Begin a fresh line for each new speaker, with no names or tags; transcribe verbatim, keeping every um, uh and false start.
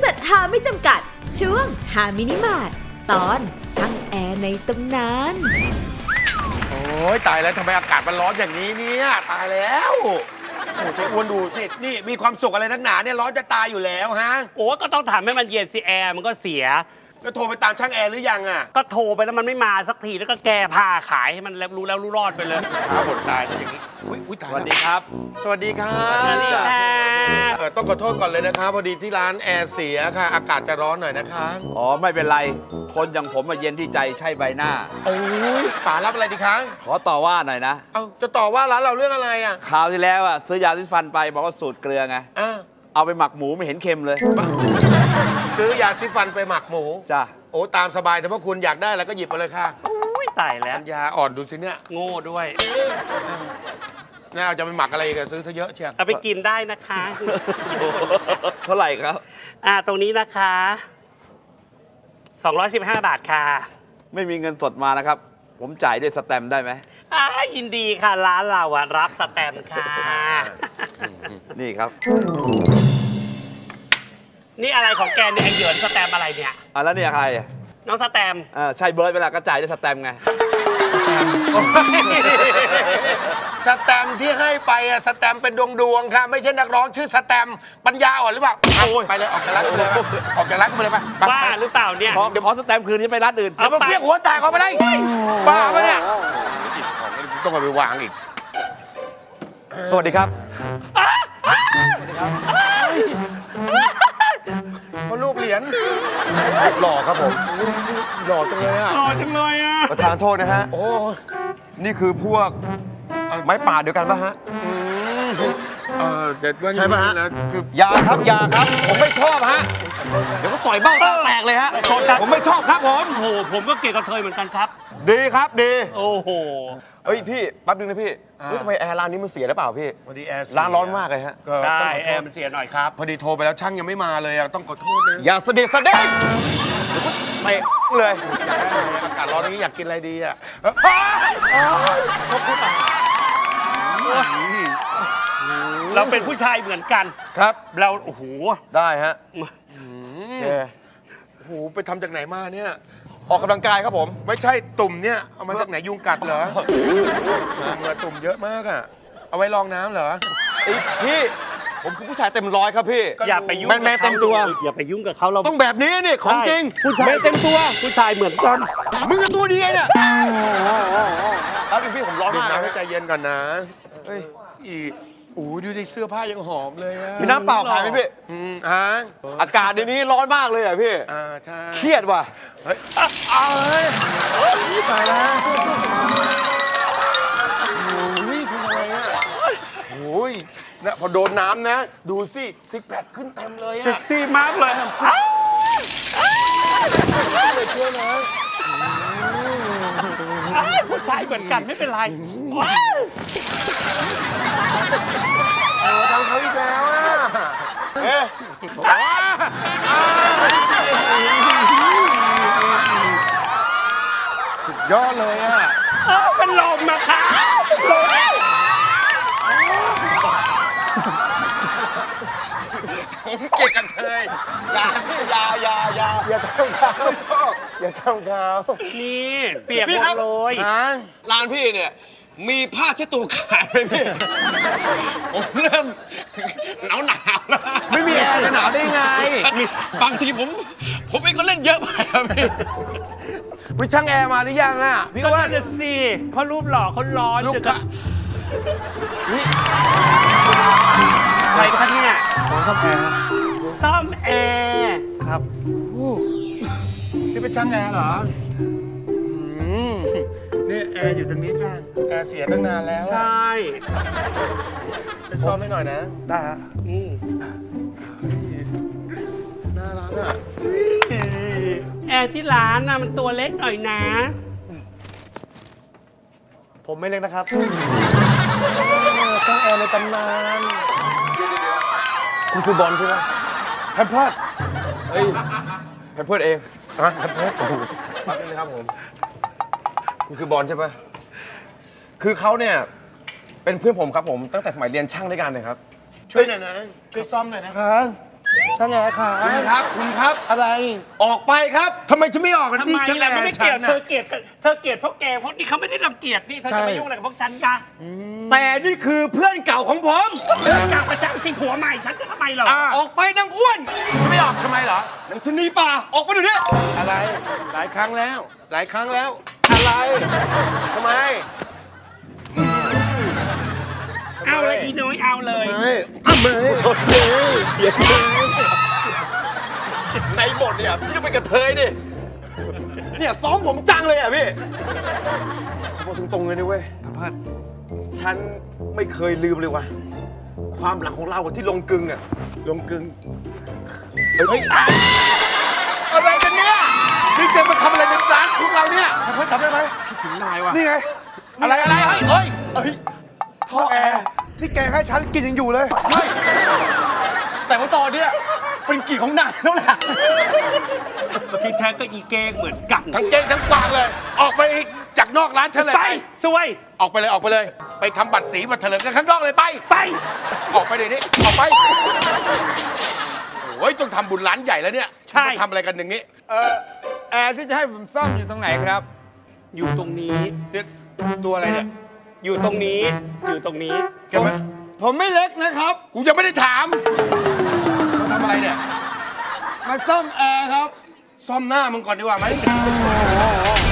ษัทหาไม่จำกัดช่วงหามินิมาร์ทตอนช่างแอร์ในตำนาน
โอ้ยตายแล้วทำไมอากาศมันร้อนอย่างนี้เนี่ยตายแล้วโอ้เจ๊อ้วนดูสินี่มีความสุขอะไรนักหนาเนี่ยร้อนจะตายอยู่แล้วฮะ
โอ้ก็ต้องทำให้มันเย็นสิแอร์มันก็เสีย
ก็โทรไปตามช่างแอร์หรือยังอ่ะ
ก็โทรไปแล้วมันไม่มาสักทีแล้วก็แก้ผ้าขายให้มันแล้วรู้แล้วรู้รอดไปเลย
ขาบดตายอย่างนี้อุ๊ยอุ๊ยตาย
สวัสดีครับ
สวัสดีครั
สวัสดี
บ
ครับ
เออต้องขอโทษก่อนเลยนะคะพอดีที่ร้านแอร์เสียค่ะ อากาศจะร้อนหน่อยนะคะ
อ๋อไม่เป็นไร คนอย่างผมมาเย็นที่ใจใช่ใบหน้า
โอ้ยป๋ารับอะไรดีคะ
ขอต่อว่าหน่อยนะ
เอาจะต่อว่าร้านเราเรื่องอะไรอ่ะ
คราวที่แล้วอ่ะซื้อยาสีฟันไปบอกว่าสูตรเกลือไง
อ่ะ
เอาไปหมักหมูไม่เห็นเค็มเลย
ซื้อยาที่ฟันไปหมักหมู
จ้ะ
โอ้ตามสบายแต่ว่าคุณอยากได้แล้วก็หยิบมาเลยค่ะ
อุ้ยตายแล้ว
ปัญญาอ่อนดูสิเนี่ย
โง่ด้วย
น่าเอาจะไปหมักอะไรกันซื้อเธอเยอะเชียว
เอาไปกินได้นะคะ
เท่าไหร่ครับ
อ่าตรงนี้นะคะสองร้อยสิบห้าบาทค่ะ
ไม่มีเงินสดมานะครับ ผมจ่ายด้วยสแตมป์ได้ไหม
อ่ายินดีค่ะร้านเราอะรับสแตมป์ค่ะ
นี่ครับ
นี่อะไรของแกเนี่ยไอเหยินสแตมป์อะไรเนี่ย
อ่ะแล้วเนี่ยใครอ่ะ
น้องสแตมป์
อ่าใช่เบิร์ดเวลาก็จ่ายด้วยสแตมป์ไง
สแตมป์ที่ให้ไปอะสแตมป์เป็นดวงดวงๆค่ะไม่ใช่นักร้องชื่อสแตมป์ปัญญาอ่อนหรือเปล่าเอาไปเลยออกจากร้านกูเลยไปออกจากร้านกูเลยไปไป
บ้าหรือเปล่าเนี่ย
ขอเดี๋ยวขอสแตมป์คืนนี้ไปร้านอื่น
เดี๋ยวมาเฟี้ยงหัวแตกออกไปได้บ้าปะเนี่ยต้องเอาไปวางอีก
สวัสดีครับ
เพราะรูปเหรียญ
หล่อครับผม
หล่อจังเลยอ่ะ
หล่อจังเลยอะ
ประธานโทษนะฮะ
โอ้
นี่คือพวกไม้ป่าเดียวกันปะฮะ
อืมเออเด็ดว่า
ใช่ปะฮะ
แล้วคือ
อยาครับอยาครับ ผมไม่ชอบฮะ เดี๋ยวก็ต่อยเบ้าตาแตกเลยฮะ ผมไม่ชอบครับผม
โอ้โหผมก็เกลียดกระเทยเหมือนกันครับ
ดีครับดี
โอ้โห
เอ้ยพี่แป๊บนึงนะพี่เฮ้ยทำไมแอร์ร้านนี้มันเสียหรือเปล่าพี่
พอดีแอร์เสีย
ร้านร้อนมากเลยฮะ
ก็
ได้
ต้องขอ
แอ
โทษ
ร์มันเสียหน่อยครับ
พอดีโทรไปแล้วช่างยังไม่มาเลยอะต้องขอโทษนะ
อย่าเสด็จเสด็จเดี๋ยวก็เตะเลย
อากาศร้อนนี้อยากกินอะไรดีอ่ะ
เราเป็นผู้ชายเหมือนกัน
ครับ
เราโอ้โห
ได้ฮะโอเค
โอ้โหไปทำจากไหนมาเนี่ย
ออกกำลังกายครับผม
ไม่ใช่ตุ่มเนี่ย เอามาจากไหนยุงกัดเหรอเหงื่อตุ่มเยอะมากอ่ะ เอาไว้รองน้ำเหรอ
ไอ้พี่ ผมคือผู้ชายเต็มร้อยครับพี่
อย่าไปยุ่ง
แมนแมนเต็มตัว
อย่าไปยุ่งกับเขาเรา
ต้องแบบนี้นี่ของจริง
ผู้ชาย
แมนเต็มตัว
ผู้ชายเหมือนกัน
มึงกับตัวดีไงเนี่ยแล้วพี่ผมร้อน
ดื่ม
มาก
น้ำให้
นะ
ใจเย็นก่อนนะ
เฮ้ย
อีโอ้โหดูดิเสื้อผ้ายังหอมเลยอะ
มีน้ำเปล่าขายไหมพี่
อืมฮะ
อากาศเดี๋ยวนี้ร้อนมากเลยอ่ะพี่
อ่าใช่
เครียดว่ะ
เฮ้ยอ่ะเอาเฮ้ยตายแล้วโอ้ยคุณอะไรอ่ะโอ้ยนะพอโดนน้ำนะ ดูสิซิกแพคขึ้นเต็มเลย
เซ็
อ่ะ
กซี่มากเลย
เลยเชื่อนะ
อ้ายผู้ชายเหมือนกันไม่เป็นไรว้าว
โอ้ทำเขาอีกแล้วอ่ะ
เอ๊ะ
สุดยอดเลยอ่ะ
เอ้าเป็นลมนะคะลม
ผมเกลียดกันเทยอย่าอย่าอย่าอย่า
อย่าทำเขาไม่ชอบอย่าทำเขา
นี่เปียก
พี่
หม
ครั
ด
บ
เลย
ฮะ
ร้านพี่เนี่ย มีผ้าเช็ดตัวขายไหมพี่ ผมเริ่มหนาวหนาวแล้ว
ไม่มีแอร์จะหนาวได้ไง
บางทีผม ผมเองก็เล่นเยอะไปครับพี่
วิช่างแอร์มาหรือยังอ่ะพี่
ก็
อ้ว่า
นั่นนะสิเพราะรูปหล่อเขาร้อน
ลูก
จะ
ค้า
ใครคะเนี่ย
ผมซ่อมแอร์
ซ่อมแอร์
ครับ
นี่เป็นช่างแอร์เหรออืมนี่แอร์อยู่ตรงนี้จ้าแอร์เสียตั้งนานแล้ว
ใช
อะ
่
ไปซ่อมให้หน่อยนะ
ได้ฮะ
อืม
น่ารักอ่ะ
แอร์ที่ร้านน่ะมันตัวเล็กหน่อยนะ
ผมไม่เล็กนะครับ
ช่างแอร์ในตำนาน
คุณคือบอลใช่ไหมแพมเพิร์ดเฮ้ยแพมเพิร์ดเอง
อ่ะครับผม
แป๊บนึงนะครับผม คุณคือบอลใช่ปะคือเขาเนี่ย เป็นเพื่อนผมครับผม ตั้งแต่สมัยเรียนช่างด้วยกันเลยครับ
ช่วยหน่อยนะ ช่วยซ่อมหน่อยนะคะช่างแอร์ขา
คุณครับคุณครับ
อะไร
ออกไปครับ
ทำไมฉันไม่ออกกัน
ทำ
ที่
ไม
ช่างแอ
ล่ะ
ร์
ไม่ได้
ฉั
เกลีย
น
ดเธ
น่ะ
อเกลียดเธอเกลียดเพราะแกเพราะนี่เขาไม่ได้รังเกียจนี่เธอ
ใช่
จะมายุ่งอะไรกับพวกฉันกัน
แต่นี่คือเพื่อนเก่าของผม
เรื่องจากประชันสิผัวใหม่ฉันจะทำไมเหรอ
อ่ะ
ออกไปนางอ้วน
ฉันไม่ออกทำไมเหรอ
นางชะนีป่าออกไปเดี๋ยวนี้
อะไร หลายครั้งแล้ว หลายครั้งแล้ว อะไรทำไม
เอาเลยอีน้อยเอาเลย
ไม่ทำไม
ในบทเนี่ยพี่ต้องเป็นกระเทยดิเนี่ยซ้อมผมจังเลยอ่ะพี่ขอบอกตรงๆเลยนะเว้ยพัดฉันไม่เคยลืมเลยว่ะความหลังของเราที่ลงกึงอ่ะ
ลงกึงเฮ้ยอะไรกันเนี่ยนี่แกมาทำอะไรในร้านของเราเนี่ย
พัดจำได้ไหมคิดถึงนายว่ะ
นี่ไง อะไรอะไรเฮ้ยเฮ้ย
เอ้ยท่อแอร์ที่แกให้ฉันกินยังอยู่เลยใช่แต่ว่าตอนเนี้ยเป็นกลิ่นของนายแล้วแหละ
ที่แท้ก็อีเก้งเหมือนกัน
ทั้งเก่งทั้งกวางเลย ออกไปจากนอกร้านฉันเลย
ไปสวย
ออกไปเลยออกไปเลย ไปทำบัตรสีบัตรเถลิงกันข้างนอกเลยไป
ไป
ออกไปเดี๋ยวนี้ออกไปโอ้ยต้องทำบุญร้านใหญ่แล้วเนี่ย
ใช่
มาทำอะไรกันอย่างนี้
เออแอร์ที่จะให้ผมซ่อมอยู่ตรงไหนครับ
อยู่ตรงนี้
เนี่ยตัวอะไรเนี่ย
อยู่ตรงนี้ อยู่ตรงนี้
แกมา
ผมไม่เล็กนะครับ
กูยังไม่ได้ถามมาทำอะไรเนี่ย
มาซ่อมแอร์ครับ
ซ่อมหน้ามึงก่อนดีกว่าไหม